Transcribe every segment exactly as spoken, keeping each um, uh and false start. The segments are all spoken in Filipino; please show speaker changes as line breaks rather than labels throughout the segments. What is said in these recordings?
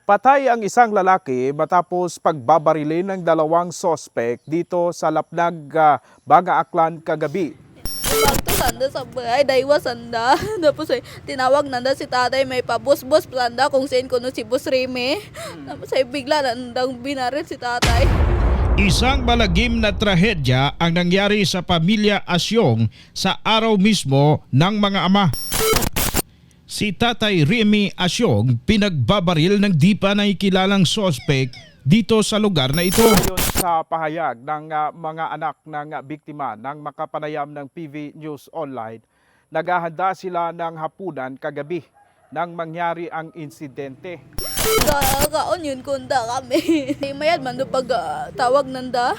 Patay ang isang lalaki matapos pagbabarilin ng dalawang sospek dito sa Lapnag, ah, Banga Aklan kagabi.
Waktu sanda sa bahay, daiwa sanda. Tapos ay tinawag nanda si tatay may pabus-bus sanda kung saan kuno si Bus Reme. Tapos ay bigla nandang binaril si tatay.
Isang malagim na trahedya ang nangyari sa pamilya Asyong sa araw mismo ng mga ama. Si Tatay Remy Asyong pinagbabaril ng di pa nakikilalang sospek dito sa lugar na ito.
Ayon sa pahayag ng ah, mga anak ng ah, biktima ng makapanayam ng P V News Online, naghahanda sila ng hapunan kagabi nang mangyari ang insidente.
Ka kaon yun kunda kami. Mayad man do pag ah, tawag nanda.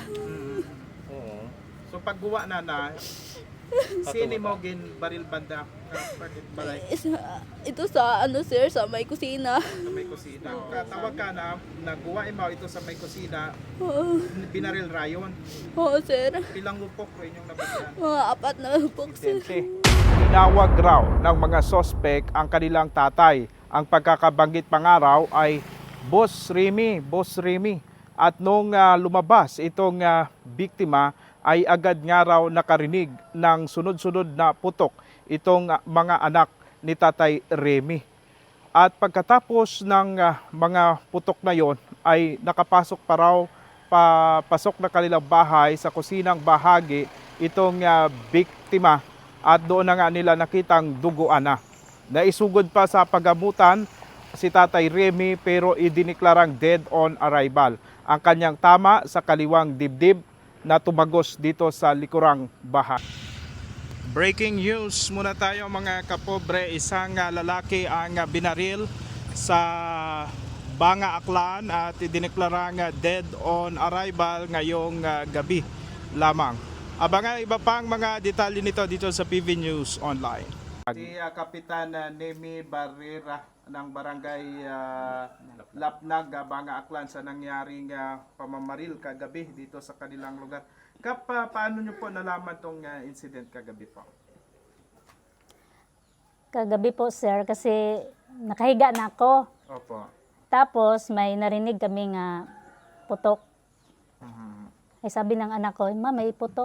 So pagguwa na na, sino mo gin baril banda? Bakit balay
Isa- Ito sa ano sir sa may kusina.
sa may kusina? Katawag ka na, nagguwa mo ito sa may kusina,
Oo,
binaril rayon.
oo, sir.
Pilang lupok rin yung nabagyan.
Mga apat na box sir.
Insidente. Tinawag raw ng mga sospek ang kanilang tatay. Ang pagkakabanggit pangaraw ay Boss Remy, Boss Remy. At nung ah, lumabas itong ah, biktima ay agad nga raw nakarinig ng sunod-sunod na putok itong ah, mga anak ni Tatay Remy. At pagkatapos ng ah, mga putok na yon ay nakapasok pa raw papasok na kanilang bahay sa kusinang bahagi itong ah, biktima at doon na nga nila nakitang duguan na. Naisugod pa sa pagamutan si Tatay Remy pero idiniklarang dead on arrival ang kanyang tama sa kaliwang dibdib na tumagos dito sa likurang bahay. Breaking news muna tayo mga kapobre, isang ah, lalaki ang ah, binaril sa Banga Aklan at idineklarang ah, dead on arrival ngayong ah, gabi lamang. Abangan iba pang mga detalye nito dito sa P V News Online. Si uh, Kapitan uh, Nemi Barrera ng Barangay uh, Lapnag, uh, Banga Aklan sa nangyaring uh, pamamaril kagabi dito sa kanilang lugar. Kap, uh, paano nyo po nalaman tong uh, incident kagabi po?
Kagabi po sir, kasi nakahiga na ako.
Opo.
Tapos may narinig kami nga putok.
Mhm.
Ay sabi ng anak ko, ma may putok.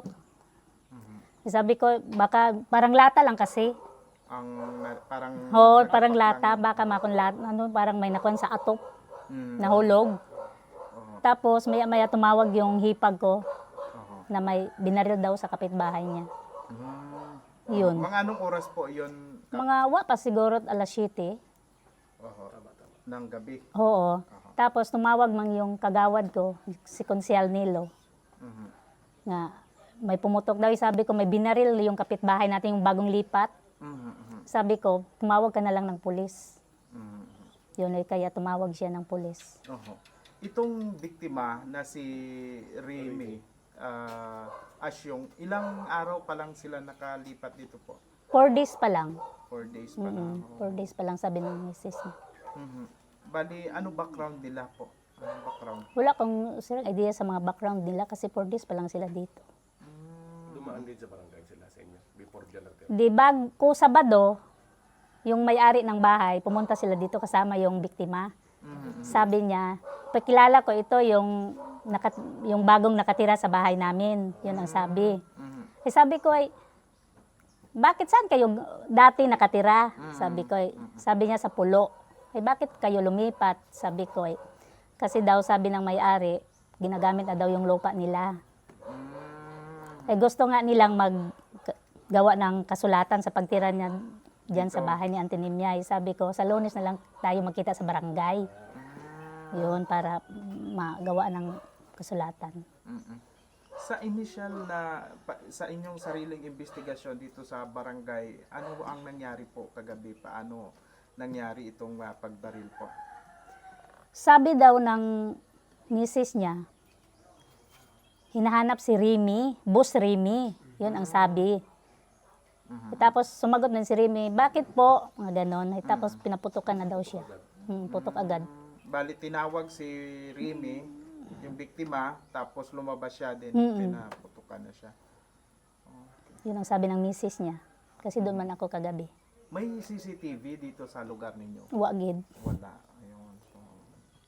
Ay sabi ko, baka parang lata lang kasi.
Ang na- parang...
Ho, parang lata, baka makon lata, ano, parang may nakuan sa atop,
Mm.
nahulog. Tapos maya maya tumawag yung hipag ko
Oho.
na may binaril daw sa kapitbahay niya.
Mm.
Yun.
Mga anong oras po yun? Kap?
Mga wa pa siguro alas siyete.
Oho. Ng gabi.
Oo. Tapos tumawag man yung kagawad ko, si Konsyal Nilo.
Mhm.
Nga may pumutok daw. Sabi ko, may binaril yung kapitbahay natin, yung bagong lipat.
Mhm, mhm,
Sabi ko, tumawag ka na lang ng pulis.
mhm.
Yun ay kaya tumawag siya ng pulis.
Oho. Itong biktima na si Remy uh, Asyong, ilang araw pa lang sila nakalipat dito po?
Four days pa lang.
Four days pa lang.
Mm, four days pa lang sabi ng misis niya.
Mhm. Bali, ano background nila po? Anong background?
Wala akong sir, idea sa mga background nila kasi four days pa lang sila dito.
Dumaan din sa barangay sila sa inyo before January.
Di bag ko Sabado, yung may-ari ng bahay, pumunta sila dito kasama yung biktima. Sabi niya, pakilala ko ito yung, nakat, yung bagong nakatira sa bahay namin. Yun ang sabi. Eh sabi ko ay, bakit saan kayo dati nakatira? Sabi ko ay, sabi niya sa Pulo. Eh bakit kayo lumipat? Sabi ko ay, kasi daw sabi ng may-ari, ginagamit na daw yung lupa nila. Eh gusto nga nilang maggawa ng kasulatan sa pagtira niya diyan sa bahay ni Auntie Nimya. Sabi ko, sa Lunes na lang tayo magkita sa barangay. Yun, para magawa ng kasulatan.
Mhm. Sa initial na, pa- sa inyong sariling investigasyon dito sa barangay, ano ang nangyari po kagabi? Paano nangyari itong uh, pagbaril po?
Sabi daw ng misis niya, hinahanap si Remy, Boss Remy. Yun ang sabi. Eh, tapos sumagot na si Remy, bakit po? Mga ganon. Eh, tapos pinaputukan na daw siya. Hmm, putok agad.
Bali, tinawag si Remy, yung biktima, tapos lumabas siya din,
Mm-mm.
pinaputukan na siya.
Yun ang sabi ng misis niya. Kasi doon man ako kagabi.
May C C T V dito sa lugar ninyo?
Wagid.
Wala. Ayun. So,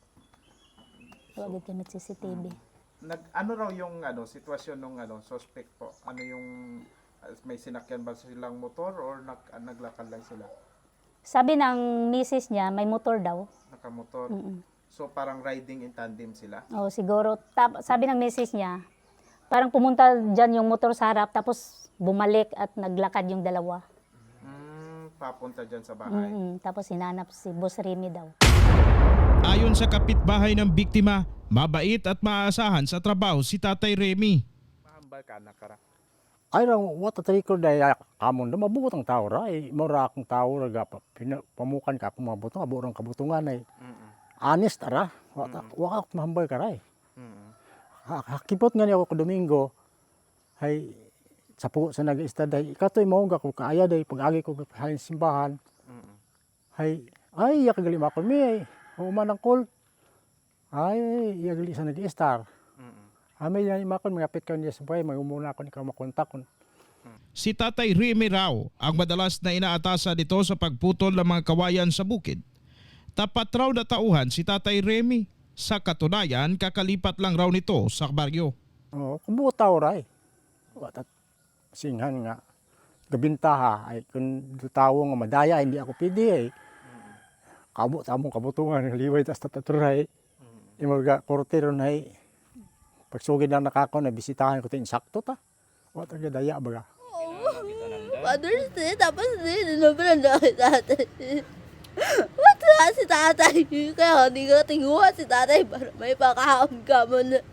Wag kami C C T V.
Nag ano raw yung ano sitwasyon ng ano suspect po? Ano yung uh, may sinakyan ba silang motor or nag, uh, naglakad lang sila?
Sabi ng misis niya, may motor daw.
Nakamotor.
Mm-mm.
So parang riding in tandem sila.
O siguro, tap, sabi ng misis niya, parang pumunta dyan yung motor sa harap, tapos bumalik at naglakad yung dalawa.
Mm, papunta dyan sa bahay.
Mm-mm. Tapos hinanap si Boss Remy daw.
Ayon sa kapitbahay ng biktima, mabait at maaasahan sa trabaho si Tatay Remy.
Mahambal ka na kara.
Ay raw, what a record ay kamon na mabuot ang tao ra. Ay, mura akong tao ra ga pa- pina- pamukan ka akong mabuto, aburang kabutungan ay. Honest ara, wata wa ka mahambal ka ra. ay. Ha- Hakipot nga niya ako ko Domingo. Hay sa po sa nag-istad ay katoy mao ga ko kaaya day pag-agi ko halin simbahan. Hay ay yak gali makon mi ay. Human ang call. Ay yak gali sa nag-istar. Amay yan makon magapit ka niya sa buhay, magumuna ako ni ka makontak kon.
Si Tatay Remy raw ang madalas na inaatasa dito sa pagputol ng mga kawayan sa bukid. Tapat raw na tauhan si Tatay Remy. Sa katunayan, kakalipat lang raw nito sa baryo.
Oh, kumuha tao ra. Wata singhan nga gabintaha ay kun tawo nga madaya hindi ako pidi ay. Kabo tamong kabutungan liway tas tataturay. Imorga korte ron ay pagsugid na nakakaw na bisitahan ko tin sakto ta. Wata ga daya baga.
Father's Day, tapos din, naman na si tatay. Wala si tatay. Kaya hindi ka tinguha si tatay para may pakaon ka mo na.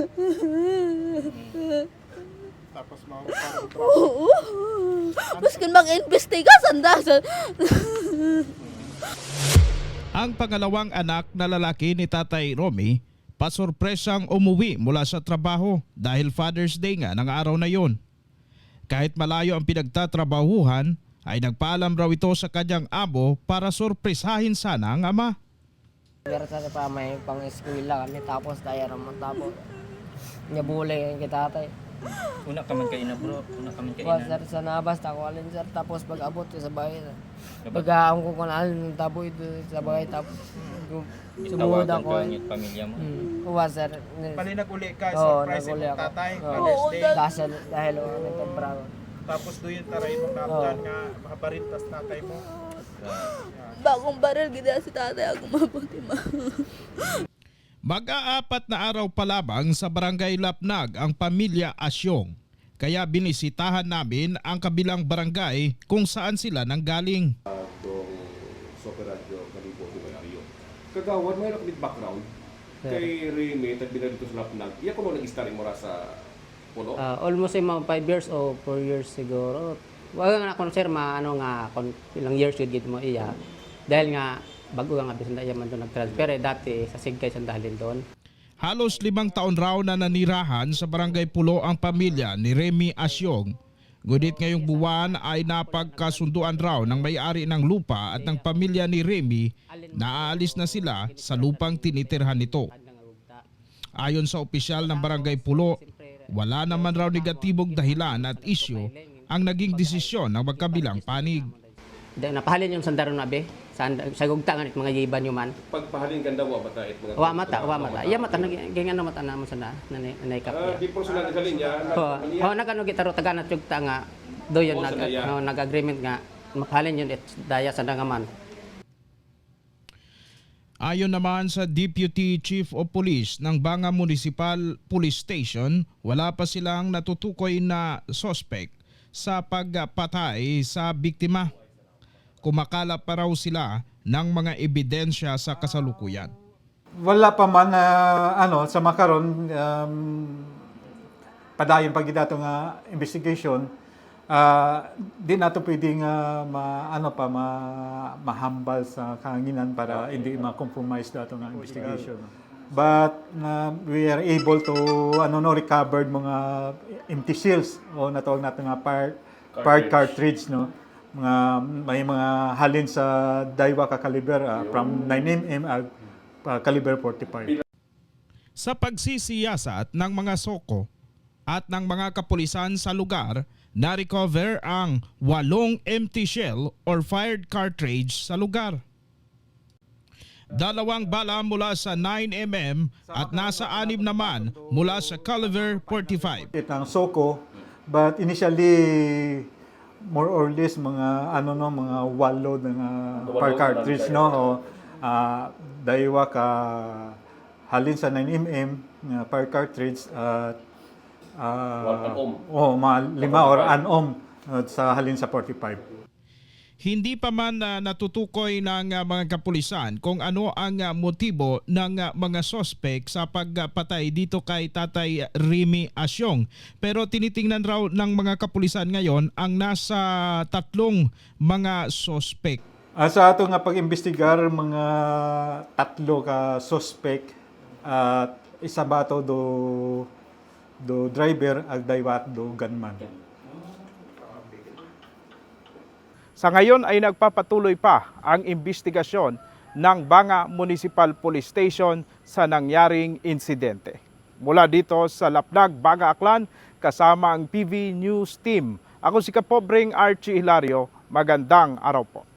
Tapos mga parang
Oo. Mas kung mag-imbestiga, sandasan.
Ang pangalawang anak na lalaki ni Tatay Romy, pasurpresang umuwi mula sa trabaho dahil Father's Day nga ng araw na yon. Kahit malayo ang pinagtatrabahuhan, ay nagpaalam raw ito sa kanyang amo para sorpresahin sana ang ama.
Pero sa pa may pang-eskwela kami tapos tayo naman tapos nyabuli kita tay.
Una ka man kayo na bro, una ka man kayo
Wa
na.
sir sa nabas ta ko alin sir tapos pag abot ko sa bahay. Pag ko kun alin tabo ito sa bahay tapos sumud
Itawagan
ako.
ko ang iyong pamilya mo.
Hmm. Wa sir.
Pali nag-uli ka,
Oo,
surprise
nag-uli
mo
ako.
tatay,
Oo.
Father's Day.
Dahil dahil o ano temprano.
Tapos doon yung taray mong naabdan nga makabarintas tatay mo.
Bagong baril, gina si tatay ako mabuti ma.
Mag-aapat na araw pa lamang sa Barangay Lapnag ang pamilya Asyong. Kaya binisitahan namin ang kabilang barangay kung saan sila nanggaling.
Dong Super Radio Kalibo di Mayo. Kagawad may nakabit background kay Remy tagbinad dito sa Lapnag. Iya ko mo nag-starring mo ra sa puno.
Ah, almost ay mga five years o four years siguro. Wala nga ako sir maano nga kung ilang years yun gid mo iya. Dahil nga bago nga bisan iya man doon nag-transfer eh, dati sa Sigkay sandalin doon.
Halos limang taon raw na nanirahan sa Barangay Pulo ang pamilya ni Remy Asyong. Ngunit ngayong buwan ay napagkasunduan raw ng may-ari ng lupa at ng pamilya ni Remy na aalis na sila sa lupang tinitirhan nito. Ayon sa opisyal ng Barangay Pulo, wala naman raw negatibong dahilan at isyu ang naging desisyon ng magkabilang panig.
Dahil napahalin yung sandaron na be, sa, sa gugta nga mga yiban yung man.
Pagpahalin ganda wa bata it mga
Wa mata, wa mata. Iya mata, naging ano mata na mo sa na, nanay kap
Ah,
niya.
di personal sa linya.
Oo, oh, nagano gitaro taga na tugta nga, do yun,
Oo,
nag,
sa daya.
no, nag-agreement nga, mapahalin yun, it, daya sa dangaman.
Ayon naman sa Deputy Chief of Police ng Banga Municipal Police Station, wala pa silang natutukoy na suspect sa pagpatay sa biktima. Kumakalap pa raw sila ng mga ebidensya sa kasalukuyan.
Wala pa man na ano sa makaron um, padayon pag dato nga investigation ah, di nato pwedeng uh, ma ano pa ma, mahambal sa kahanginan para hindi ma-compromise dato nga investigation. But uh, we are able to ano no recovered mga empty shells o natawag nato nga part part cartridge no. Mga may mga halin sa Daiwa ka caliber ah, from nine millimeter uh, caliber forty-five.
Sa pagsisiyasat ng mga soko at ng mga kapulisan sa lugar, na-recover ang walong empty shell or fired cartridge sa lugar. Dalawang bala mula sa nine millimeter at nasa anim naman mula sa caliber forty-five.
Itang Soko, but initially more or less mga ano no mga walo ng uh, per cartridge no o uh, daywa ka halin sa nine millimeter uh, per cartridge at uh, oh mga lima or an-om uh, sa halin sa forty-five.
Hindi pa man uh, natutukoy ng uh, mga kapulisan kung ano ang uh, motibo ng uh, mga sospek sa pagpatay dito kay Tatay Remy Asyong. Pero tinitingnan raw ng mga kapulisan ngayon ang nasa tatlong mga sospek.
Uh, sa ato nga pag-imbestigar mga tatlo ka suspect at isa ba to do do driver ag daywat do gunman.
Sa ngayon ay nagpapatuloy pa ang investigasyon ng Banga Municipal Police Station sa nangyaring insidente. Mula dito sa Laplag, Banga Aklan, kasama ang P V News Team. Ako si Kapobreng Archie Hilario. Magandang araw po.